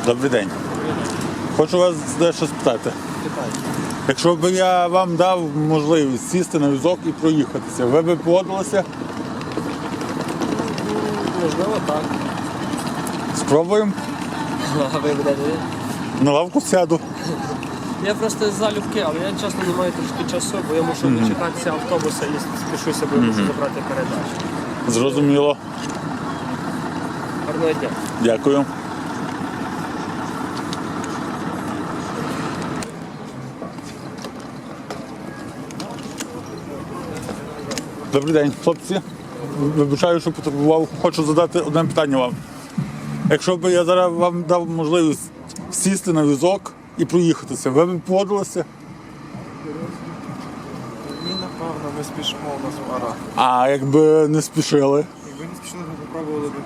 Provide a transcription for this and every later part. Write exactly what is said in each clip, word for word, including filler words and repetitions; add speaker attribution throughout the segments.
Speaker 1: Добрий день. Хочу вас дещо спитати. Якщо б я вам дав можливість сісти на візок і проїхатися, ви б погодилися?
Speaker 2: Можливо, так.
Speaker 1: Спробуємо?
Speaker 2: А ви будете?
Speaker 1: На лавку сяду.
Speaker 2: Я просто залюбки, але я чесно не маю трошки часу, бо я мушу дочекатися автобуса і спішуся, бо я мушу забрати передачу.
Speaker 1: Зрозуміло.
Speaker 2: Гарного дня.
Speaker 1: Дякую. Добрий день, хлопці. Вибачаю, що потребував. Хочу задати одне питання вам. Якщо б я зараз вам дав можливість сісти на візок і проїхатися, ви б погодилися?
Speaker 3: Ні, напевно, ми спішимо, у нас пара.
Speaker 1: А якби не спішили?
Speaker 3: Якби не спішили, ми попробували б.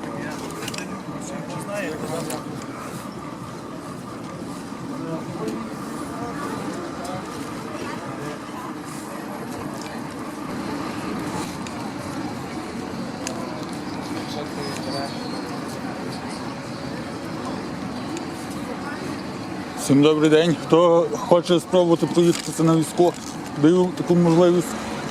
Speaker 1: Всім добрий день. Хто хоче спробувати проїхатися на візку, даю таку можливість.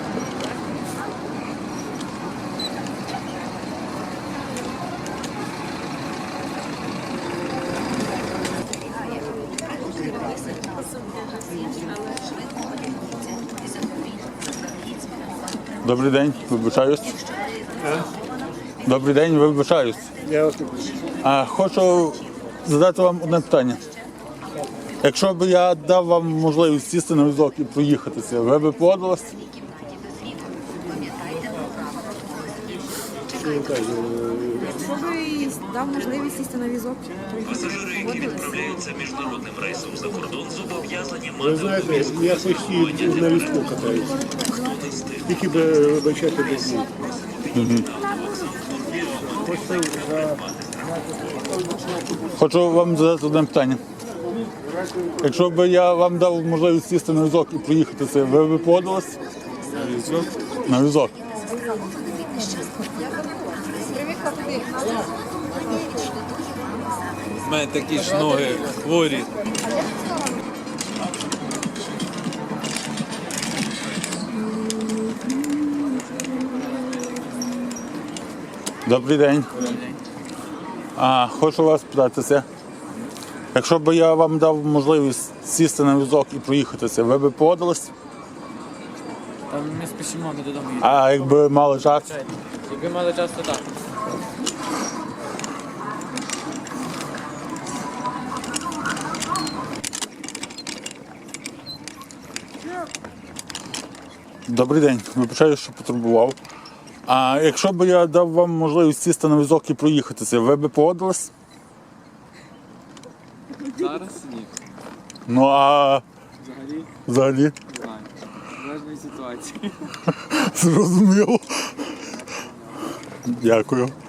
Speaker 1: Добрий день, вибачаюсь. Добрий день, вибачаюсь. А хочу задати вам одне питання. Якщо б я дав вам можливість сісти на візок і проїхатися, ви б погодились?
Speaker 4: Якщо би дав можливість сісти на візок,
Speaker 5: Пасажири, які відправляються міжнародним рейсом за кордон, зобов'язані
Speaker 6: Ви
Speaker 5: мати
Speaker 6: знаєте, я постійно на візку катаюся. Тільки би вибачати без них.
Speaker 1: Хочу вам задати одне питання. Якщо б я вам дав можливість сісти на візок і проїхатися, ви б погодились? На візок? На візок.
Speaker 7: У мене такі ж ноги хворі.
Speaker 1: Добрий день. А, хочу вас питатися. Якщо б я вам дав можливість сісти на візок і проїхатися, ви б погодились?
Speaker 7: Там ми спішимо, ми додому їдемо.
Speaker 1: А якби мали час?
Speaker 7: Якби мали час, то так.
Speaker 1: Добрий день, вибачаю, що потребував. А якщо б я дав вам можливість сісти на візок і проїхатися, ви б погодились?
Speaker 7: Зараз ні.
Speaker 1: Ну а
Speaker 7: Взагалі
Speaker 1: взагалі?
Speaker 7: не знаю. Залежної ситуації.
Speaker 1: Зрозуміло. Дякую.